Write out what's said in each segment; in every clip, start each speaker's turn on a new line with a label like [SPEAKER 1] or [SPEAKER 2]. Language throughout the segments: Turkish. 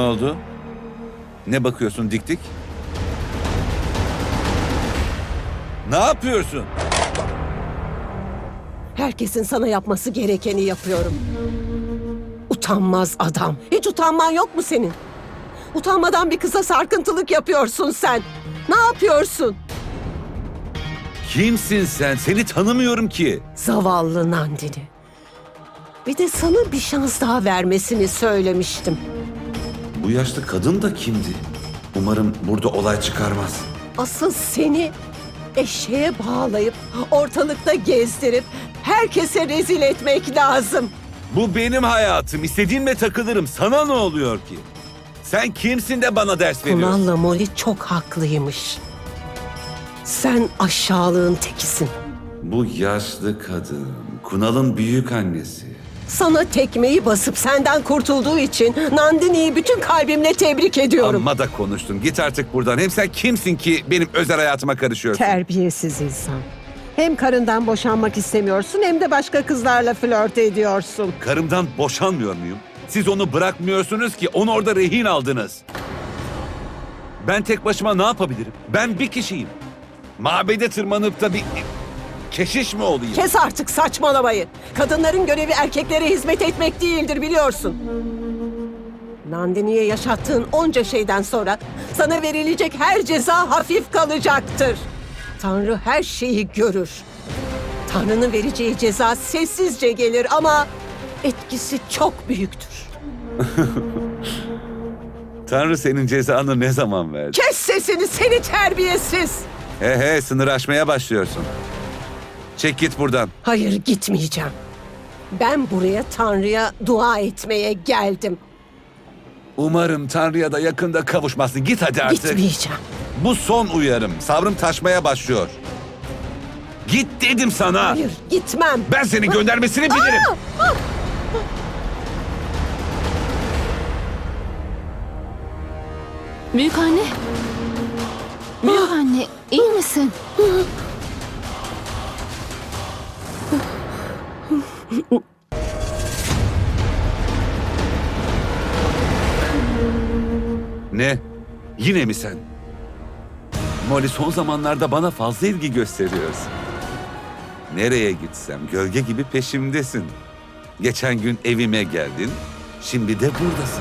[SPEAKER 1] oldu? Ne bakıyorsun dik dik? Ne yapıyorsun?
[SPEAKER 2] Herkesin sana yapması gerekeni yapıyorum. Utanmaz adam. Hiç utanman yok mu senin? Utanmadan bir kıza sarkıntılık yapıyorsun sen. Ne yapıyorsun?
[SPEAKER 1] Kimsin sen? Seni tanımıyorum ki.
[SPEAKER 2] Zavallı Nandini. Bir de sana bir şans daha vermesini söylemiştim.
[SPEAKER 1] Bu yaşlı kadın da kimdi? Umarım burada olay çıkarmaz.
[SPEAKER 2] Asıl seni eşeğe bağlayıp ortalıkta gezdirip herkese rezil etmek lazım.
[SPEAKER 1] Bu benim hayatım. İstediğimle takılırım. Sana ne oluyor ki? Sen kimsin de bana ders veriyorsun?
[SPEAKER 2] Kunal'la Molly çok haklıymış. Sen aşağılığın tekisin.
[SPEAKER 1] Bu yaşlı kadın, Kunal'ın büyük annesi.
[SPEAKER 2] Sana tekmeyi basıp senden kurtulduğu için Nandini'yi bütün kalbimle tebrik ediyorum.
[SPEAKER 1] Amma da konuştun. Git artık buradan. Hem sen kimsin ki benim özel hayatıma karışıyorsun?
[SPEAKER 2] Terbiyesiz insan. Hem karından boşanmak istemiyorsun hem de başka kızlarla flört ediyorsun.
[SPEAKER 1] Karımdan boşanmıyor muyum? Siz onu bırakmıyorsunuz ki, onu orada rehin aldınız. Ben tek başıma ne yapabilirim? Ben bir kişiyim. Mabede tırmanıp da bir keşiş mi olayım?
[SPEAKER 2] Kes artık saçmalamayı. Kadınların görevi erkeklere hizmet etmek değildir biliyorsun. Nandini'ye yaşattığın onca şeyden sonra sana verilecek her ceza hafif kalacaktır. Tanrı her şeyi görür. Tanrı'nın vereceği ceza sessizce gelir ama etkisi çok büyüktür.
[SPEAKER 1] Tanrı senin cezanı ne zaman verdi?
[SPEAKER 2] Kes sesini seni terbiyesiz.
[SPEAKER 1] He sınır aşmaya başlıyorsun. Çek git buradan.
[SPEAKER 2] Hayır gitmeyeceğim. Ben buraya Tanrı'ya dua etmeye geldim.
[SPEAKER 1] Umarım Tanrı'ya da yakında kavuşmazsın. Git hadi artık.
[SPEAKER 2] Gitmeyeceğim.
[SPEAKER 1] Bu son uyarım. Sabrım taşmaya başlıyor. Git dedim sana.
[SPEAKER 2] Hayır gitmem.
[SPEAKER 1] Ben senin göndermesini bilirim.
[SPEAKER 3] Büyük anne. Büyük anne, iyi misin?
[SPEAKER 1] Ne? Yine mi sen? Molly son zamanlarda bana fazla ilgi gösteriyorsun. Nereye gitsem gölge gibi peşimdesin. Geçen gün evime geldin, şimdi de buradasın.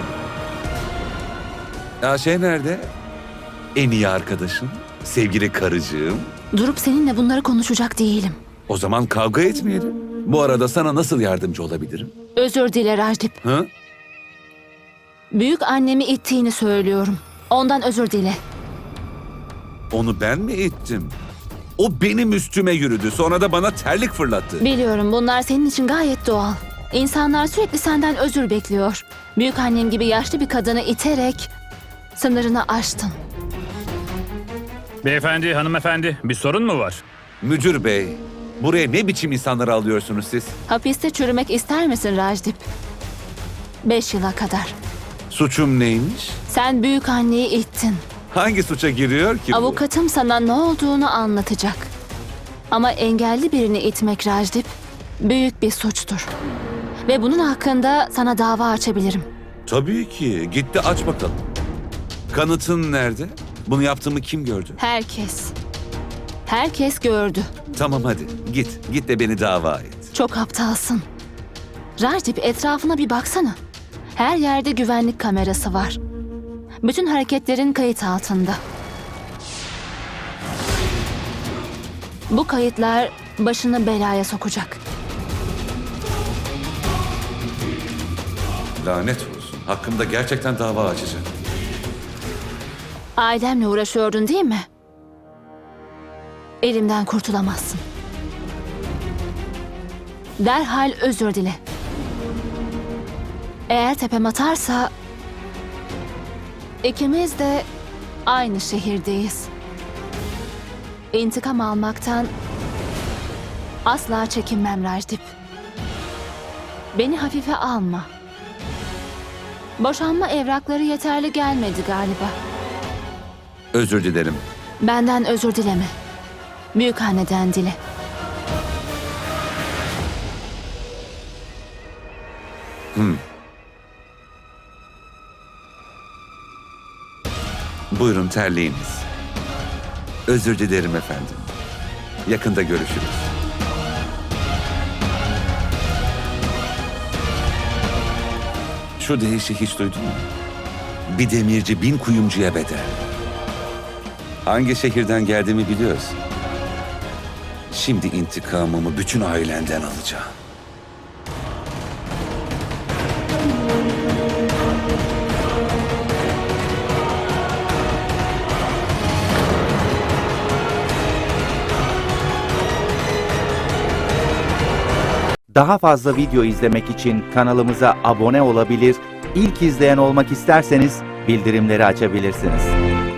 [SPEAKER 1] Ya şey nerede? En iyi arkadaşım, sevgili karıcığım.
[SPEAKER 3] Durup seninle bunları konuşacak değilim.
[SPEAKER 1] O zaman kavga etmeyelim. Bu arada sana nasıl yardımcı olabilirim?
[SPEAKER 3] Özür dile Rajdip.
[SPEAKER 1] Hı?
[SPEAKER 3] Büyük annemi ittiğini söylüyorum. Ondan özür dile.
[SPEAKER 1] Onu ben mi ittim? O benim üstüme yürüdü. Sonra da bana terlik fırlattı.
[SPEAKER 3] Biliyorum bunlar senin için gayet doğal. İnsanlar sürekli senden özür bekliyor. Büyük annem gibi yaşlı bir kadını iterek sınırını aştın.
[SPEAKER 4] Beyefendi, hanımefendi, bir sorun mu var?
[SPEAKER 1] Müdür bey, buraya ne biçim insanları alıyorsunuz siz?
[SPEAKER 3] Hapiste çürümek ister misin Rajdip? 5 yıla kadar.
[SPEAKER 1] Suçum neymiş?
[SPEAKER 3] Sen büyük anneyi ittin.
[SPEAKER 1] Hangi suça giriyor ki bu?
[SPEAKER 3] Avukatım sana ne olduğunu anlatacak. Ama engelli birini itmek Rajdip büyük bir suçtur. Ve bunun hakkında sana dava açabilirim.
[SPEAKER 1] Tabii ki. Gitti aç bakalım. Kanıtın nerede? Bunu yaptığımı kim gördü?
[SPEAKER 3] Herkes. Herkes gördü.
[SPEAKER 1] Tamam hadi git. Git de beni dava et.
[SPEAKER 3] Çok aptalsın. Rajdip etrafına bir baksana. Her yerde güvenlik kamerası var. Bütün hareketlerin kayıt altında. Bu kayıtlar başını belaya sokacak.
[SPEAKER 1] Lanet olsun. Hakkımda gerçekten dava açacak.
[SPEAKER 3] Ailemle uğraşıyordun değil mi? Elimden kurtulamazsın. Derhal özür dile. Eğer tepem atarsa ikimiz de aynı şehirdeyiz. İntikam almaktan asla çekinmem Rajdip. Beni hafife alma. Boşanma evrakları yeterli gelmedi galiba.
[SPEAKER 1] Özür dilerim.
[SPEAKER 3] Benden özür dileme. Büyükanneden dile.
[SPEAKER 1] Buyurun terliğiniz. Özür dilerim efendim. Yakında görüşürüz. Şu deyişi hiç duydun mu? Bir demirci 1000 kuyumcuya bedel. Hangi şehirden geldiğimi biliyorsun. Şimdi intikamımı bütün ailenden alacağım.
[SPEAKER 5] Daha fazla video izlemek için kanalımıza abone olabilir, ilk izleyen olmak isterseniz bildirimleri açabilirsiniz.